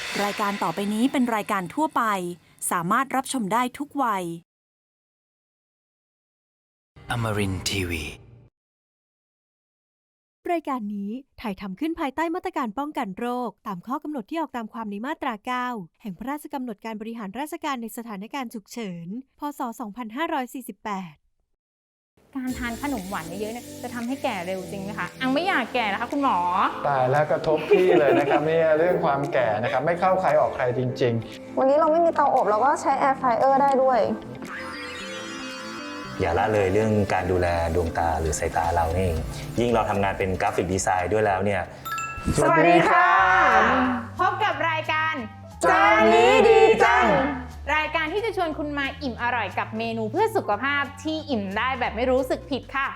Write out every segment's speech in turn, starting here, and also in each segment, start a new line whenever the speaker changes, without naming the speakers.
รายการต่อไปนี้เป็นรายการทั่วไปสามารถรับชมได้ทุกวัย
Amarin Tiwi
รายการนี้ถ่ายทำขึ้นภายใต้มาตรการป้องกันโรคตามข้อกำหนดที่ออกตามความในมาตรา 9 แห่งพระราชกำหนดการบริหารราชการในสถานการณ์ฉุกเฉิน พ.ศ. 2548
การทานขนมหวานเยอะๆเนี่ยจะทำให้แก่เร็วจริงไหมคะอังไม่อยากแก่นะคะคุณหมอ
ตายแล้วกระทบพี่เลยนะครับเนี่ยเรื่องความแก่นะครับไม่เข้าใครออกใครจริง
ๆวันนี้เราไม่มีเตาอบเราก็ใช้แอร์ฟรายเออร์ได้ด้วย
อย่าละเลยเรื่องการดูแลดวงตาหรือสายตาเรานี่เองยิ่งเราทำงานเป็นกราฟิกดีไซน์ด้วยแล้วเนี่ย
สวัสดีค่ะ
พบกับรายการ
จานนี้ดีจัง
รายการที่จะชวนคุณมาอิ่มอร่อยกับเมนูเพื่อสุขภาพที่อิ่มได้แบบไม่รู้สึกผิดค่ะ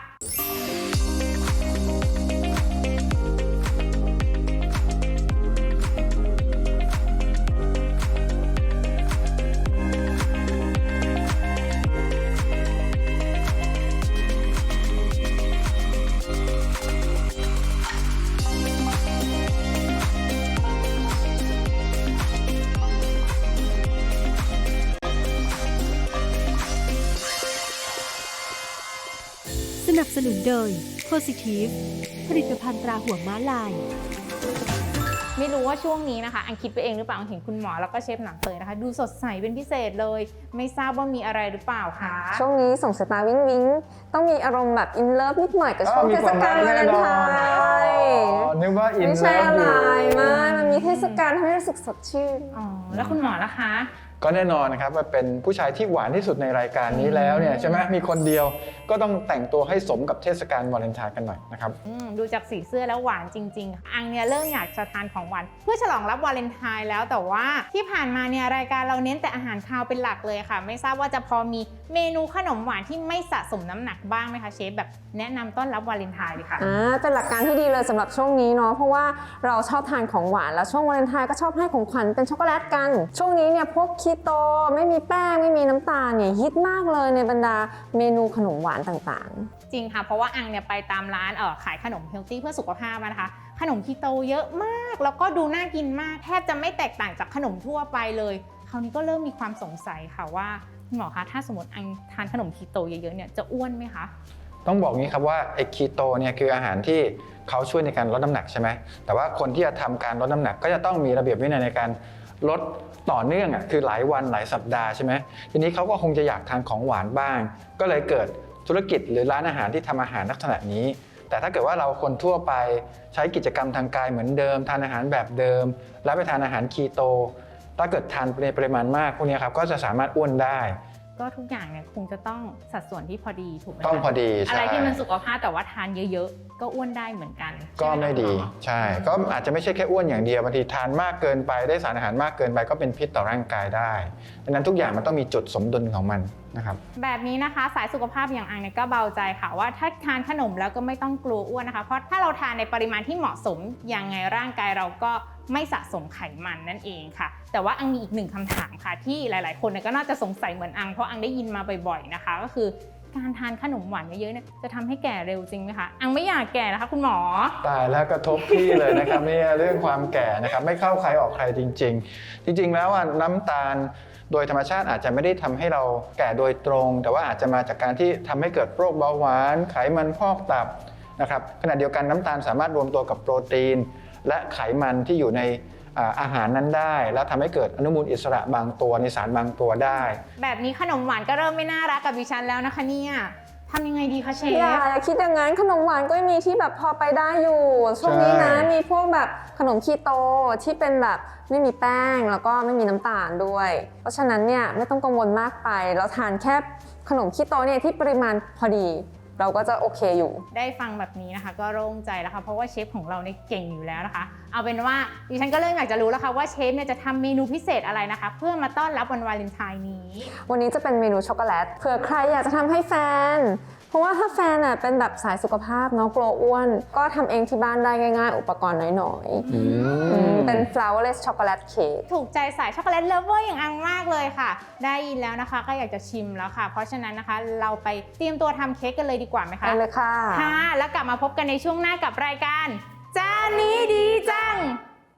สนับสนุนโดย Positive ผลิตภัณฑ์ตราหัวม้าลาย
ไม่รู้ว่าช่วงนี้นะคะอังคิดไปเองหรือเปล่าอังเห็นคุณหมอแล้วก็เชฟหนังเตยนะคะดูสดใสเป็นพิเศษเลยไม่ทราบว่ามีอะไรหรือเปล่าคะ
ช่วงนี้ส่งสายตาวิ้งวิ้งต้องมีอารมณ์แบบอินเลิฟนิดหน่อยกับช่วงเทศกาลวาเลนไทน์
นึกว่าอินเลิฟ
ไม่ใช่อะไรมันมีเทศกาลทำให้รู้สึกสดชื่น
แล้วคุณหมอล่ะคะ
ก็แน่นอนนะครับว่าเป็นผู้ชายที่หวานที่สุดในรายการนี้แล้วเนี่ยใช่ไหมมีคนเดียวก็ต้องแต่งตัวให้สมกับเทศกาลวาเลนไทน์กันหน่อยนะครับ
ดูจากสีเสื้อแล้วหวานจริงๆอังเนี่ยเริ่มอยากจะทานของหวานเพื่อฉลองรับวาเลนไทน์แล้วแต่ว่าที่ผ่านมาเนี่ยรายการเราเน้นแต่อาหารคาวเป็นหลักเลยค่ะไม่ทราบว่าจะพอมีเมนูขนมหวานที่ไม่สะสมน้ำหนักบ้างไหมคะเชฟแบบแนะนำต้อนรับวาเลนไทน์ดีค่ะ
เป็นหลักการที่ดีเลยสำหรับช่วงนี้เนาะเพราะว่าเราชอบทานของหวานแล้วช่วงวาเลนไทน์ก็ชอบให้ของขวัญเป็นช็อกโกแลตกันช่วงนี้เนี่ยพวกคีโตไม่มีแป้งไม่มีน้ำตาลเนี่ยฮิตมากเลยในบรรดาเมนูขนมหวานต่าง
ๆจริงค่ะเพราะว่าอังเนี่ยไปตามร้านขายขนมเฮลตี้เพื่อสุขภาพนะคะขนมคีโตเยอะมากแล้วก็ดูน่ากินมากแทบจะไม่แตกต่างจากขนมทั่วไปเลยคราวนี้ก็เริ่มมีความสงสัยค่ะว่าคุณหมอคะถ้าสมมติอังทานขนมคีโตเยอะๆเนี่ยจะอ้วนไหมคะ
ต้องบอกงี้ครับว่าไอ้คีโตเนี่ยคืออาหารที่เขาช่วยในการลดน้ำหนักใช่ไหมแต่ว่าคนที่จะทำการลดน้ำหนักก็จะต้องมีระเบียบวินัยในการลดต่อเนื่องคือหลายวันหลายสัปดาห์ใช่ไหมทีนี้เขาก็คงจะอยากทานของหวานบ้างก็เลยเกิดธุรกิจหรือร้านอาหารที่ทำอาหารลักษณะนี้แต่ถ้าเกิดว่าเราคนทั่วไปใช้กิจกรรมทางกายเหมือนเดิมทานอาหารแบบเดิมแล้วไปทานอาหารคีโตถ้าเกิดทานในปริมาณมากพวกนี้ครับก็จะสามารถอ้วนได้
ก็ทุกอย่างเนี่ยคงจะต้องสัดส่วนที่พอดีถูกไหม
ต้องพอดี
อะไรที่มันสุขภาพแต่ว่าทานเยอะๆก็อ้วนได้เหมือนกัน
ก็ไม่ดีใช่ก็อาจจะไม่ใช่แค่อ้วนอย่างเดียวบางทีทานมากเกินไปได้สารอาหารมากเกินไปก็เป็นพิษต่อร่างกายได้ดังนั้นทุกอย่างมันต้องมีจุดสมดุลของมันนะครับ
แบบนี้นะคะสายสุขภาพอย่างอังเนี่ยก็เบาใจค่ะว่าถ้าทานขนมแล้วก็ไม่ต้องกลัวอ้วนนะคะเพราะถ้าเราทานในปริมาณที่เหมาะสมยังไงร่างกายเราก็ไม่สะสมไขมันนั่นเองค่ะแต่ว่าอังมีอีกหนึ่งคำถามค่ะที่หลายๆคนก็น่าจะสงสัยเหมือนอังเพราะอังได้ยินมาบ่อยๆนะคะก็คือการทานขนมหวานเยอะๆเนี่ยจะทำให้แก่เร็วจริงไหมคะอังไม่อยากแก่นะคะคุณหมอ
ตายแล้วกระทบพี่เลยนะครับเนี่ยเรื่องความแก่นะครับไม่เข้าใครออกใครจริงๆแล้วน้ำตาลโดยธรรมชาติอาจจะไม่ได้ทำให้เราแก่โดยตรงแต่ว่าอาจจะมาจากการที่ทำให้เกิดโรคเบาหวานไขมันพอกตับนะครับขณะเดียวกันน้ำตาลสามารถรวมตัวกับโปรตีนและไขมันที่อยู่ในอาหารนั้นได้แล้วทำให้เกิดอนุมูลอิสระบางตัวในสารบางตัวได้
แบบนี้ขนมหวานก็เริ่มไม่น่ารักกับดิฉันแล้วนะคะเนี่ยทำยังไงดีคะเชฟ
อย่าคิดอย่างนั้นขนมหวานก็มีที่แบบพอไปได้อยู่ช่วงนี้นะมีพวกแบบขนมคีโตที่เป็นแบบไม่มีแป้งแล้วก็ไม่มีน้ำตาลด้วยเพราะฉะนั้นเนี่ยไม่ต้องกังวลมากไปเราทานแค่ขนมคีโตเนี่ยที่ปริมาณพอดีเราก็จะโอเคอยู่
ได้ฟังแบบนี้นะคะก็โล่งใจแล้วค่ะเพราะว่าเชฟของเราเนี่ยเก่งอยู่แล้วนะคะเอาเป็นว่าดิฉันก็เริ่มอยากจะรู้แล้วค่ะว่าเชฟเนี่ยจะทำเมนูพิเศษอะไรนะคะเพื่อมาต้อนรับวันวาเลนไทน์นี้
วันนี้จะเป็นเมนูช็อกโกแลตเผื่อใครอยากจะทำให้แฟนเพราะว่าถ้าแฟนเป็นแบบสายสุขภาพเนาะกลัวอ้วนก็ทำเองที่บ้านได้ง่ายๆอุปกรณ์น้อยๆเป็น flourless chocolate cake
ถูกใจสายช็อกโกแลตเลิฟเวอร์อย่างอังมากเลยค่ะได้ยินแล้วนะคะก็อยากจะชิมแล้วค่ะเพราะฉะนั้นนะคะเราไปเตรียมตัวทำเค้กกันเลยดีกว่าไหมคะ
ได้เลยค่ะ
ค่ะแล้วกลับมาพบกันในช่วงหน้ากับรายการจานนี้ดีจัง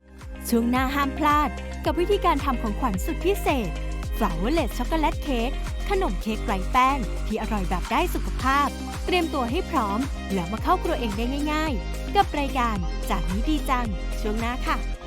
ช่วงหน้าห้ามพลาดกับวิธีการทำของขวัญสุดพิเศษ Flourless ช็อกโกแลตเค้กขนมเค้กไร้แป้งที่อร่อยแบบได้สุขภาพ เตรียมตัวให้พร้อมแล้วมาเข้าครัวเองได้ง่ายๆ กับรายการจากนี้ดีจังช่วงหน้าค่ะ